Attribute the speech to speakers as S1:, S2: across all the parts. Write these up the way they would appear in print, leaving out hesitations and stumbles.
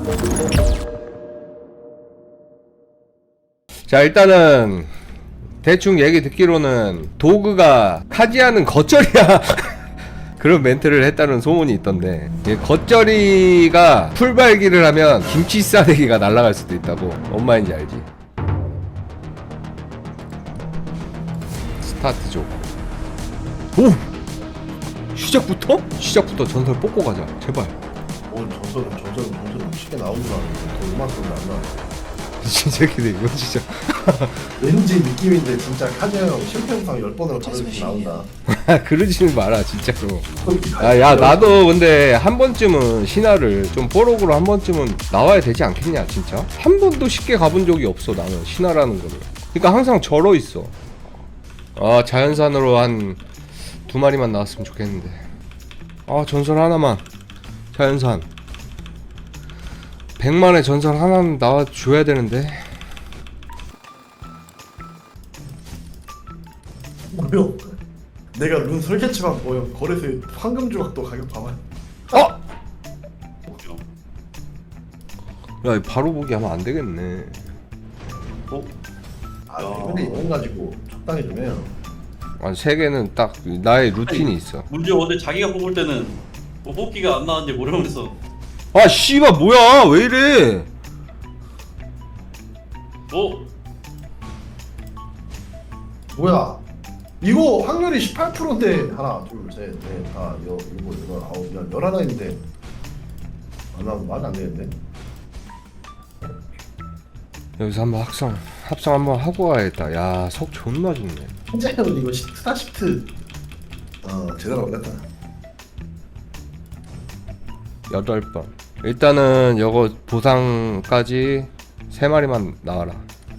S1: 자, 일단은 대충 얘기 듣기로는 도그가 카지아는 겉절이야 그런 멘트를 했다는 소문이 있던데, 겉절이가 풀발기를 하면 김치 싸대기가 날아갈 수도 있다고. 뭔 말인지 알지? 스타트 줘. 오! 시작부터 전설 뽑고 가자 제발.
S2: 전설은 쉽게 나오는 줄 알았는데 더 이만큼은 안 나와.
S1: 진짜 기대. 이거 진짜
S2: 왠지 느낌인데 진짜 카즈야 형 실패 영상 10번으로 가르쳐 나온다.
S1: 그러지 마라 진짜로. 야 나도 근데 한 번쯤은 신화를 좀 뽀록으로 한 번쯤은 나와야 되지 않겠냐. 진짜 한 번도 쉽게 가본 적이 없어 나는 신화라는 거를. 그러니까 항상 절어 있어. 아, 자연산으로 한 2마리만 나왔으면 좋겠는데. 아, 전설 하나만. 자연산 100만의 전설 하나는 나와줘야 되는데.
S2: 뭐요? 내가 룬 설계치만 보여. 거래소에 황금 조각도 가격 봐봐.
S1: 어? 야, 바로 보기 하면 안 되겠네.
S2: 근데 이건 가지고 적당히 좀 해요.
S1: 아, 3개는 딱 나의 루틴이 있어.
S3: 문제 근데 자기가 뽑을 때는 뭐 뽑기가 안 나왔는지 모르면서
S1: 아, 씨발 뭐야? 왜 이래?
S2: 뭐야? 이거 확률이 18%인데 하나, 둘, 셋, 넷, 다, 일곱, 여덟, 아홉, 열, 11인데 안 나오면 말이 안 되겠네.
S1: 여기서 한번 합성 한번 하고 가야겠다. 야, 속 존나 좋네.
S2: 현재는 이거 스타 시프트 제대로 걸렸다.
S1: 8번. 일단은 요거 보상까지 3마리만 나와라.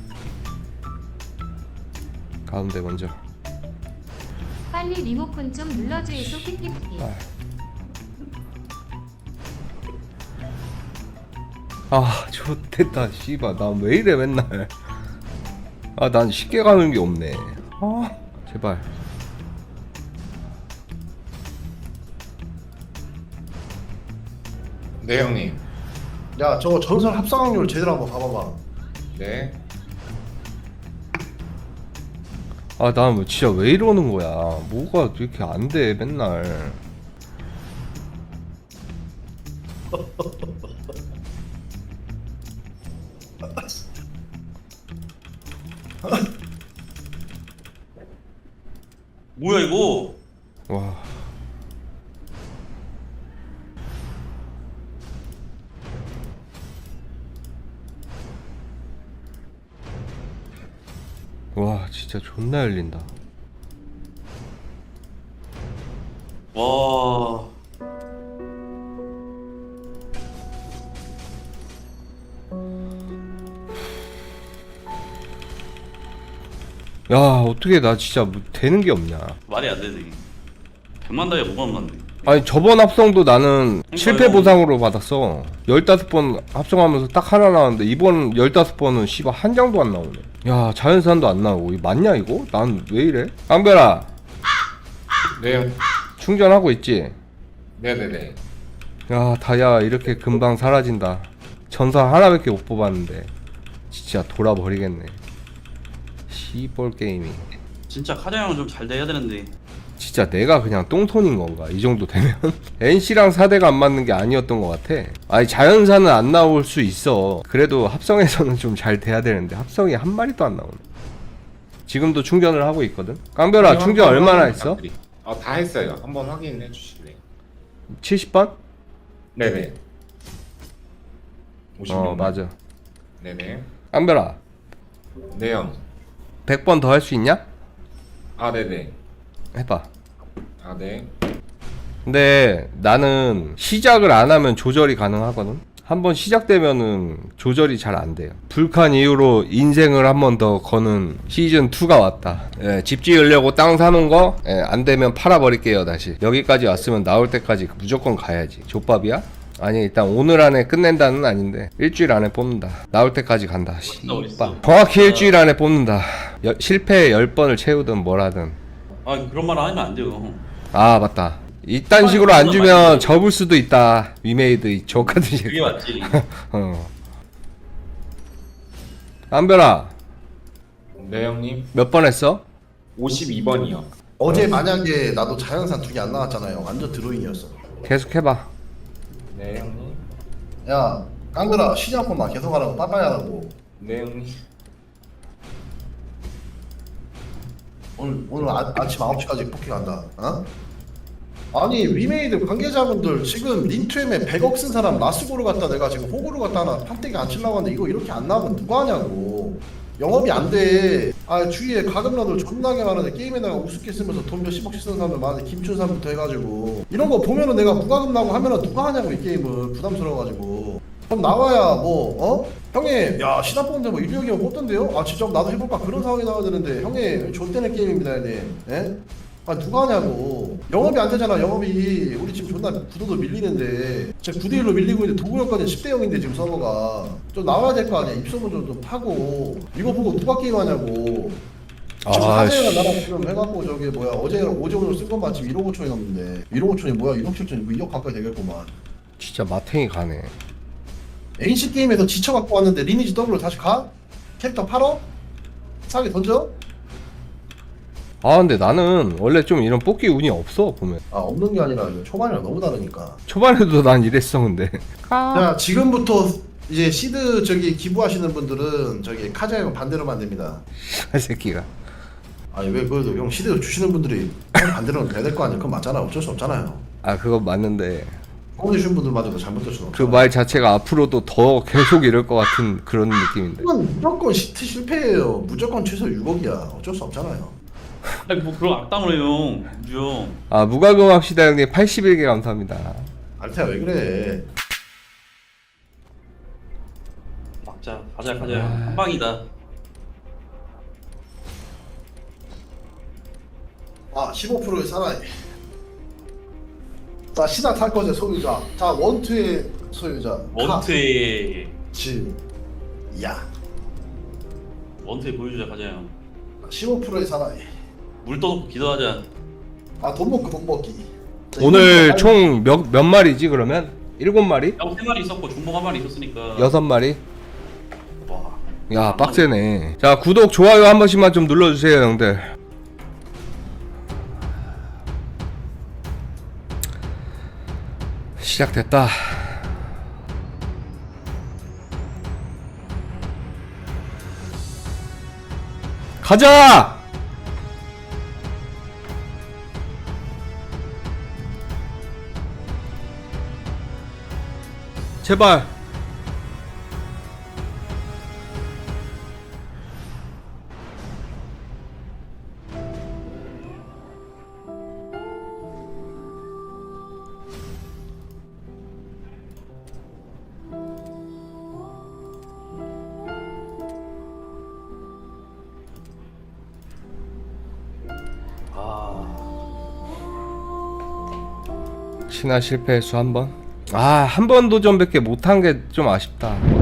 S1: 가운데 먼저.
S4: 빨리 리모컨 좀 눌러주이소. 키키키.
S1: 아, 좋됐다. 씨발, 나 왜 이래 맨날. 아, 난 쉽게 가는 게 없네. 아, 제발.
S5: 네 형님.
S2: 야, 저거 전설 합성 확률 제대로 한번 봐봐봐.
S5: 네.
S1: 아, 난 뭐 진짜 왜 이러는 거야. 뭐가 이렇게 안 돼, 맨날.
S3: 뭐야 이거?
S1: 와. 와, 진짜 존나 열린다.
S3: 와.
S1: 야, 어떻게 나 진짜 뭐 되는 게 없냐.
S3: 말이 안 되네. 100만 다이아 뭐가 맞네.
S1: 아니, 저번 합성도 나는 실패 보상으로 받았어. 15번 합성하면서 딱 하나 나왔는데 이번 15번은 씨발 한 장도 안 나오네. 야, 자연산도 안 나오고. 이거 맞냐 이거? 난 왜 이래? 깡별아,
S5: 네 형.
S1: 충전하고 있지?
S5: 네네네.
S1: 야, 다야 이렇게 금방 사라진다. 전설 하나밖에 못 뽑았는데 진짜 돌아버리겠네. 시벌 게임이.
S3: 진짜 카자형은 좀 잘 돼야 되는데.
S1: 진짜 내가 그냥 똥손인 건가? 이 정도 되면? NC랑 4대가 안 맞는 게 아니었던 것 같아. 아니, 자연산은 안 나올 수 있어. 그래도 합성에서는 좀 잘 돼야 되는데 합성이 한 마리도 안 나오네. 지금도 충전을 하고 있거든. 깡별아, 충전 얼마나 했어?
S5: 다 했어요. 한번 확인해 주실래요?
S1: 70번?
S5: 네네. 56번.
S1: 맞아.
S5: 네네.
S1: 깡별아,
S5: 네 형.
S1: 100번 더 할 수 있냐?
S5: 아 네네.
S1: 해봐.
S5: 아 네.
S1: 근데 나는 시작을 안 하면 조절이 가능하거든. 한번 시작되면은 조절이 잘 안 돼요. 불칸 이후로 인생을 한 번 더 거는 시즌 2가 왔다. 예, 집 지으려고 땅 사는 거, 안 되면 팔아버릴게요 다시. 여기까지 왔으면 나올 때까지 무조건 가야지. 족밥이야? 아니, 일단 오늘 안에 끝낸다는 아닌데 일주일 안에 뽑는다. 나올 때까지 간다. 씨발. 정확히 일주일 안에 뽑는다. 실패 10번을 채우든 뭘 하든.
S3: 아 그런 말 하면 안 돼요.
S1: 아, 맞다. 이딴 식으로 안 주면 접을 수도 있다. 위메이드 저 같은
S3: 그게
S1: 새끼.
S3: 맞지.
S1: 어. 안별아
S5: 네 형님.
S1: 몇 번 했어?
S5: 52번이요.
S2: 어제 만약에 나도 자연산 2개 안 나왔잖아요. 완전 드로잉이었어.
S1: 계속 해봐.
S5: 네 형님.
S2: 야 깡들아 시장 한번만 계속 하라고 빠빠이 하라고.
S5: 네 형님.
S2: 오늘 아침 9시까지 포킹 한다. 어? 아니 위메이드 관계자분들 지금 린투엠에 100억 쓴 사람 라스고를 갖다 내가 지금 호구를 갖다 하나 판때기 안 치려고 하는데 이거 이렇게 안 나오면 누가 하냐고. 영업이 안 돼. 아 주위에 가금러들 존나게 많은데 게임에다가 우습게 쓰면서 돈 몇십억씩 쓰는 사람들 많은데 김춘삼부터 해가지고 이런 거 보면은 내가 무과금 나고 하면은 누가 하냐고 이 게임을 부담스러워가지고. 그럼 나와야 뭐 형님 야 시장 뽑는데 뭐 1력이면 뽑던데요? 아 진짜 나도 해볼까 그런 상황이 나와야 되는데 형님 존대는 게임입니다 형님. 예? 아 누가 하냐고. 영업이 안 되잖아. 영업이 우리 지금 존나 구도도 밀리는데 지금 9대1로 밀리고 있는데 도구력까지 10대 0인데 지금 서버가 좀 나와야 될 거 아니야. 입소문 좀 파고 이거 보고 누가 게임하냐고. 지금 사제가 나랑 지금 해갖고 저기 뭐야 어제 오늘 쓴건 마침 1억 5천이 넘는데 1억 5천이 뭐야 1억 7천이 2억 가까이 되겠구만.
S1: 진짜 마탱이 가네.
S2: NC 게임에서 지쳐갖고 왔는데 리니지 더블로 다시 가? 캐릭터 팔어? 싸게 던져?
S1: 아 근데 나는 원래 좀 이런 뽑기 운이 없어 보면.
S2: 아 없는 게 아니라 이거 초반이랑 너무 다르니까.
S1: 초반에도 난 이랬어 근데.
S2: 자 지금부터 이제 시드 저기 기부하시는 분들은 저기 카자형 반대로만 됩니다.
S1: 이 새끼가.
S2: 아니 왜 그래도 형 시드 주시는 분들이 형 반대로는 돼야 될 거 아니야. 그건 맞잖아. 어쩔 수 없잖아요.
S1: 아 그거 맞는데
S2: 뽕 주신 분들마저도 잘못될 수는
S1: 그
S2: 없잖아.
S1: 말 자체가 앞으로도 더 계속 이럴 것 같은 그런 느낌인데.
S2: 그건 무조건 시트 실패예요. 무조건 최소 6억이야. 어쩔 수 없잖아요.
S3: 아니 뭐 그런 악담을 해요, 우주 형.
S1: 아 무과금합시다 형님 81개 감사합니다.
S2: 알테야 왜 그래?
S3: 막자, 가자. 한 방이다.
S2: 아 15%의 사나이. 자 시나 탈 거제 소유자. 자 원투의 소유자.
S3: 원투에
S2: 야
S3: 보여주자, 가자 형.
S2: 15%의 사나이.
S3: 물 떠놓고 기도하자.
S2: 아 돈 먹기. 자,
S1: 오늘
S2: 이거
S1: 총 몇 마리지 그러면? 7마리?
S3: 형 3마리 있었고 중복 1마리 있었으니까.
S1: 6마리?
S3: 와.
S1: 야 빡세네. 자 구독 좋아요 한 번씩만 좀 눌러주세요 형들. 시작됐다. 가자! 제발. 신화 실패 횟수 한 번? 아, 한 번 도전밖에 못한 게 좀 아쉽다.